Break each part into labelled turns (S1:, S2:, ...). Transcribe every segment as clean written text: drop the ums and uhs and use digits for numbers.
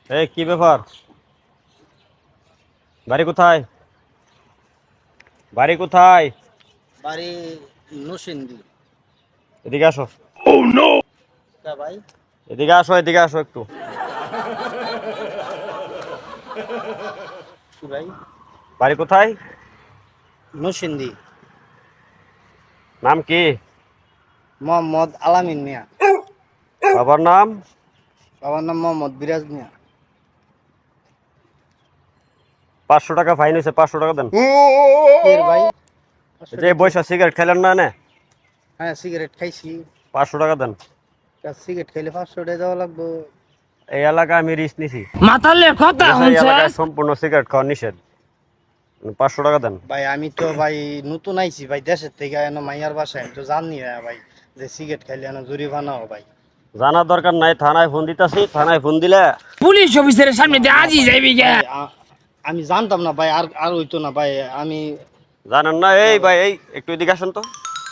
S1: এই কি ব্যাপার? বাড়ি কোথায়? বাড়ি কোথায়?
S2: বাড়ি নরসিংদী।
S1: এদিকে আসো।
S2: তা ভাই
S1: এদিকে আসো, এদিকে আসো একটু।
S2: কি ভাই?
S1: বাড়ি কোথায়?
S2: নরসিংদী।
S1: নাম কি?
S2: মোহাম্মদ আলামিন মিয়া।
S1: বাবার নাম?
S2: বাবার নাম মোহাম্মদ বিরাজ মিয়া।
S1: 500 টাকা ফাইন হয়েছে, 500 টাকা দেন।
S2: এর ভাই?
S1: যে বৈশা সিগারেট খেলেন না নে,
S2: হ্যাঁ সিগারেট খাইছি।
S1: 500 টাকা দেন।
S2: সিগারেট খাইলে 500 টাকা দেওয়া লাগবে।
S1: এই এলাকায় আমি রিস্ক নিছি।
S3: মাতালে কথা
S1: এই
S3: হচ্ছে।
S1: এলাকায় সম্পূর্ণ সিগারেট খাওয়া নিষেধ। 500 টাকা দেন।
S2: ভাই আমি তো ভাই নতুন আইছি ভাই দেশের থেকে, এনে মাইয়ার বাসায় আমি তো জানি না ভাই যে সিগারেট খাইলে এনে জরিমানা হবে ভাই।
S1: জানার দরকার নাই, থানায় ফোন দিতাছি, থানায় ফোন দিলে
S3: পুলিশ অফিসারের সামনে দিয়ে আজই যাইবি গে।
S2: ভাই, আমি জানতাম না ভাই, আর আর হইতো না ভাই। আমি
S1: জানেন না। এই ভাই, এই একটু এদিকে আসেন তো।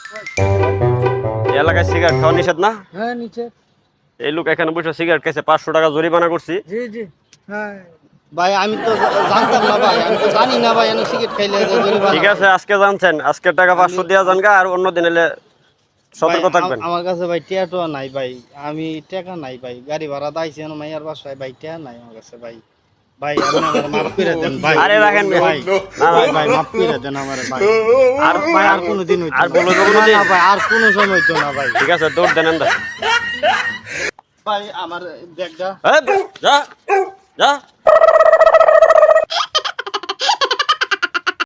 S1: এই এলাকায় সিগারেট খাওয়া নিষেধ না?
S2: হ্যাঁ নিচে।
S1: এই লোক এখানে বসে সিগারেট খেয়েছে, 500 টাকা জরিমানা করছি।
S2: জি জি হ্যাঁ ভাই, আমি তো জানতাম না ভাই, আমি তো জানি না ভাই এনে সিগারেট খাইলে যে জরিমানা।
S1: ঠিক আছে, আজকে জানছেন, আজকের টাকা 500 দিয়া যান গা, আর অন্য দিন এলে সতর্ক
S2: ভাই,
S1: থাকবেন।
S2: আমার কাছে ভাই টাকা নাই ভাই, আমি টাকা নাই ভাই, গাড়ি ভাড়া দাইছি এনে মাইয়ার বাসায় ভাই, টাকা নাই আমার কাছে ভাই। ভাই আপনি আমার মাফ করে দেন ভাই।
S1: আরে রাখেন ভাই।
S2: ভাই
S1: না,
S2: ভাই ভাই মাফ করে দেন আমার ভাই।
S1: আর
S2: ভাই আর কোনোদিন হইতো
S1: আর
S2: না।
S1: বলো তো
S2: না,
S1: কোনোদিন?
S2: না ভাই আর কোনো সময় হইতো না ভাই।
S1: ঠিক আছে, দৌড় দেন এন্দা।
S2: ভাই আমার ব্যাগটা
S1: এই, যা যা।